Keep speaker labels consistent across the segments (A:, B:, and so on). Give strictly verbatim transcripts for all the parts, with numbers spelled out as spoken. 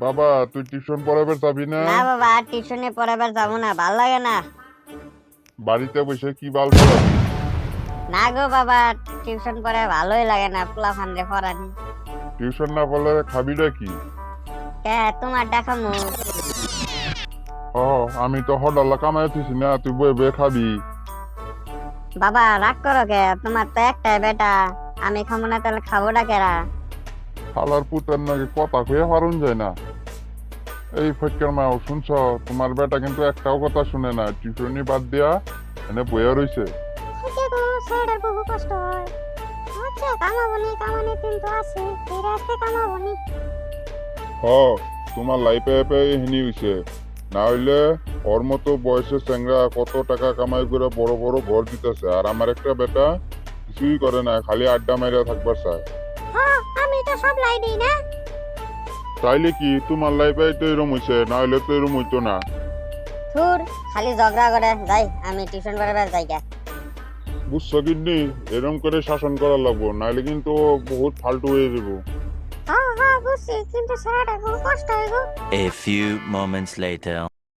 A: বাবা তুই টিউশন পড়াবার যাবি না?
B: না বাবা আর টিউশনে পড়াবার যাবো না, ভাল লাগে না।
A: বাড়িতে বসে কি বাল পড়াবি?
B: না গো বাবা, টিউশন পড়ে ভালোই লাগে না, পোলা ফান্ডে পড়ানি।
A: টিউশন না পড়লে খাবিটা কি?
B: কে তোমার দেখামু?
A: ও আমি তো হডাল্লা কামাইতেছি না, তুই বয়ে বয়ে খাবি।
B: বাবা রাগ করো কে, তোমার তো একটাই বেটা, আমি খাবো না তাহলে খাবোটা কেরা?
A: শালার পুতের নাকি কথা কয়ে পারুন যায় না। এই ফটকের মা শুনছ, তোমার বেটা কিন্তু একটাও কথা শুনে না, টিউশনি বাদ দিয়া এনে বইয়া রইছে।
B: হচ্ছে গো, ছেলেটার বহু কষ্ট হয়। হচ্ছে কামাবনি, কামানি কিন্তু আছে, ফিরে আসতে কামাবনি।
A: হ তোমার লাইফে এপে হিনি হইছে, না হইলে ওর মতো বয়সের চ্যাংরা কত টাকা কামাই করে বড় বড় ঘর দিতেছে, আর আমার একটা বেটা কিছুই করে না, খালি আড্ডা মাইরা থাকবার চায়।
B: হ্যাঁ আমি তো সব লাই দিই না।
A: তাইলে কি তোমার লাইফে তো এরম হইছে, না হইলে তো এরম হইতো না।
B: থুর, খালি ঝগড়া করে যাই, আমি টিউশন পড়াবার যাই গা।
A: বুঝছো কিন্নি, এরম করে শাসন করা লাগবো, নাহলে কিন্তু ও বহুত ফালতু হয়ে যাবো।
B: হ্যাঁ হ্যাঁ বুঝছি, কিন্তু ছেলেটার বহু কষ্ট হয় গো।
C: A few moments later.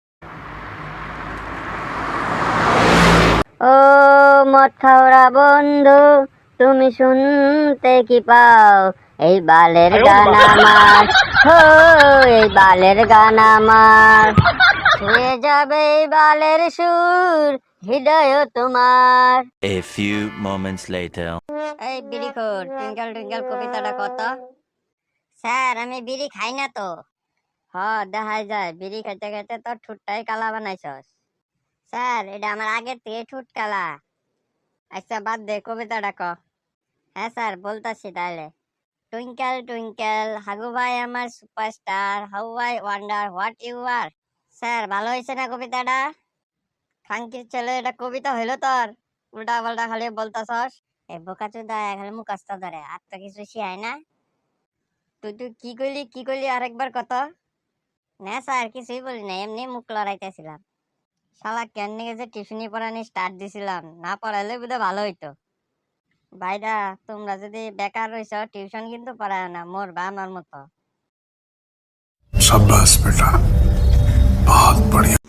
B: ও মদ খাওয়া বন্ধু, তুমি শুনতে কি পাও? এই বালের গান আমার, হো এই বালের গান আমার, ছুঁয়ে যাবে এই বালের সুর, হৃদয় তোমার।
C: A few moments later.
B: এই বিড়ি খোর, টুইঙ্কেল টুইঙ্কেল কবিতাটা কত? স্যার আমি বিড়ি খাই না তো। হ দেখাই যায়, বিড়ি খাইতে খাইতে তোর ঠুটটাই কালা বানাইছস। স্যার এটা আমার আগের থেকে ঠুট কালা। আচ্ছা বাদ দে, কবিতাটা ক। হ্যাঁ স্যার বলতাছি তাহলে। টুইঙ্কেল টুইঙ্কেল হাগু ভাই আমার superstar, how I wonder what you are. Sir ভালো হয়েছে না কবিতাটা? খাঙ্কির ছেলে, এটা কবিতা হইলো তোর? উল্টা পাল্টা খালি বলতাছস। এই বোকাচোদা খালি মুখস্থ ধরে, আর তো কিছু শিখায় না। তুই তুই কি কইলি কি কইলি আরেকবার কত? না স্যার কিছুই বলি না, এমনি মুখ লড়াইতেছিলাম। শালা কেন যে টিউশনি পড়ানি স্টার্ট দিছিলাম, না পড়াইলে বোধহয় ভালো হইতো। ভাইরা তোমরা যদি বেকার রইছ, টিউশন কিন্তু পড়ায় না, মরবা আমার মতো।
D: शाबाश बेटा, बहुत बढ़िया।